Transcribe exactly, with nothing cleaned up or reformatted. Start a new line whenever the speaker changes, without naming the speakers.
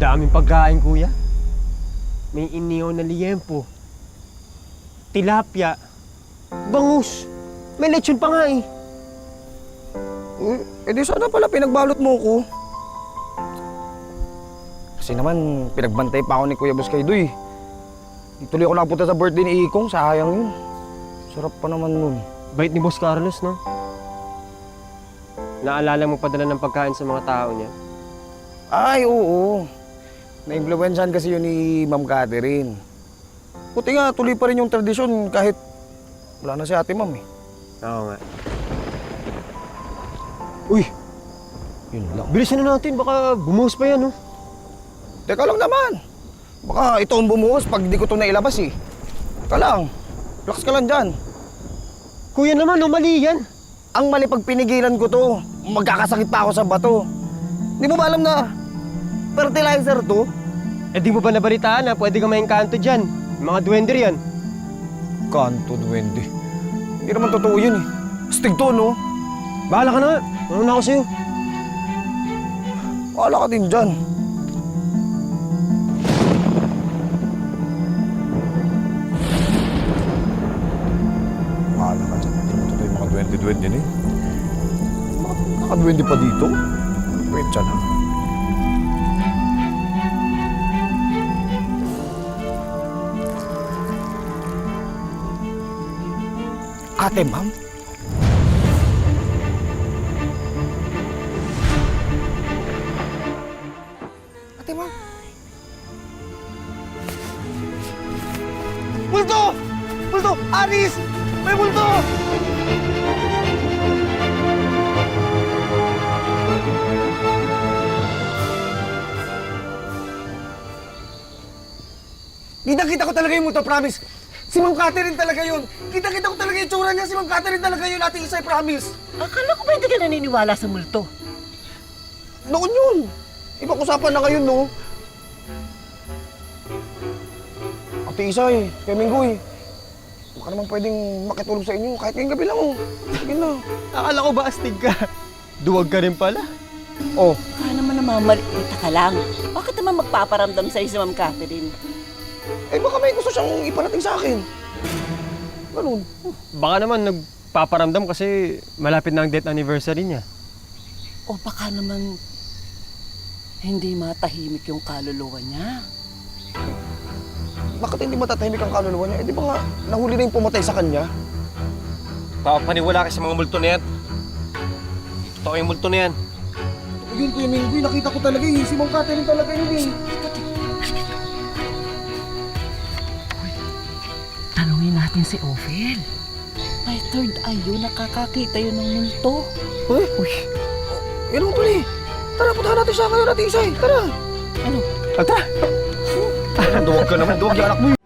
Daming pagkain, kuya. May inihaw na liyempo, tilapia, bangus. May lechon pa nga eh.
Eh, edi sana pala pinagbalot mo ko. Kasi naman, pinagbantay pa ako ni Kuya Boss Kaido eh. Di tuloy ako nakapunta sa birthday ni Ikong, sayang yun. Sarap pa naman nun.
Bait ni Boss Carlos, no? Naalala mo padala ng pagkain sa mga tao niya.
Ay, oo. Na-influensyahan kasi yun ni Ma'am Catherine. Buti nga, tuloy pa rin yung tradisyon kahit wala na si Ate Ma'am eh.
Oo nga. Uy!
Yun lang.
Bilisan na natin, baka bumuhos pa yan, no?
Teka lang naman. Baka ito ang bumuhos pag di ko ito nailabas eh. Teka lang. Relax ka lang dyan.
Kuya naman, no, mali yan.
Ang mali pag pinigilan ko to, magkakasakit pa ako sa bato. Di mo ba alam na fertilizer to?
Eh di mo ba nabalitaan na pwede ka may kanto dyan? Yung mga duwender yan.
Kanto, duwende. Hindi naman totoo yun eh. Astig to, no?
Bahala ka na nga. Ano na ako sa'yo?
Bahala ka din dyan. Bahala ka dyan. Hindi mo totoo yung mga duwende-duwende yun eh. Mga nakadwende pa dito? Wait dyan ha. Ate, ma'am? Ate, ma'am? Multo! Multo! Aris! May multo! Kita-kita ko talaga yung multo, promise! Si Ma'am Catherine talaga yun! Kita-kita ko talaga yung tsura niya! Si Ma'am Catherine talaga yun, Ate Isay, promise!
Akala ko ba hindi ka naniniwala sa multo?
Noon yun! Ibang usapan na ngayon, no? Ate Isay, Kuya Minggoy, baka naman pwedeng makitulog sa inyo kahit ngayong gabi lang, oh. Sige na.
Akala ko ba astig ka? Duwag ka rin pala.
Oh,
Baka naman namamalita ka lang. Bakit naman magpaparamdam sa'yo si Ma'am Catherine?
eh baka may gusto siyang iparating sa akin. Ganun.
Baka naman nagpaparamdam kasi malapit na ang death anniversary niya.
O baka naman hindi matahimik yung kaluluwa niya.
Bakit hindi matatahimik ang kaluluwa niya? Eh di ba nga, nahuli na yung pumatay sa kanya?
Papaniwala ka sa mga multo na yan. Totoo yung multo na yan.
Yun, Kuya Minggoy, nakita ko talaga eh. Si Ma'am Catherine talaga yun eh.
Tanungin natin si Ophel. May third eye yun, nakakakita yun ng multo.
Uy! Uy! Yan mo pala eh. Tara, puntahan natin siya ngayon, Ate Isay. Tara!
Ano?
Tara!
Duwag ka naman, duwag yung anak mo.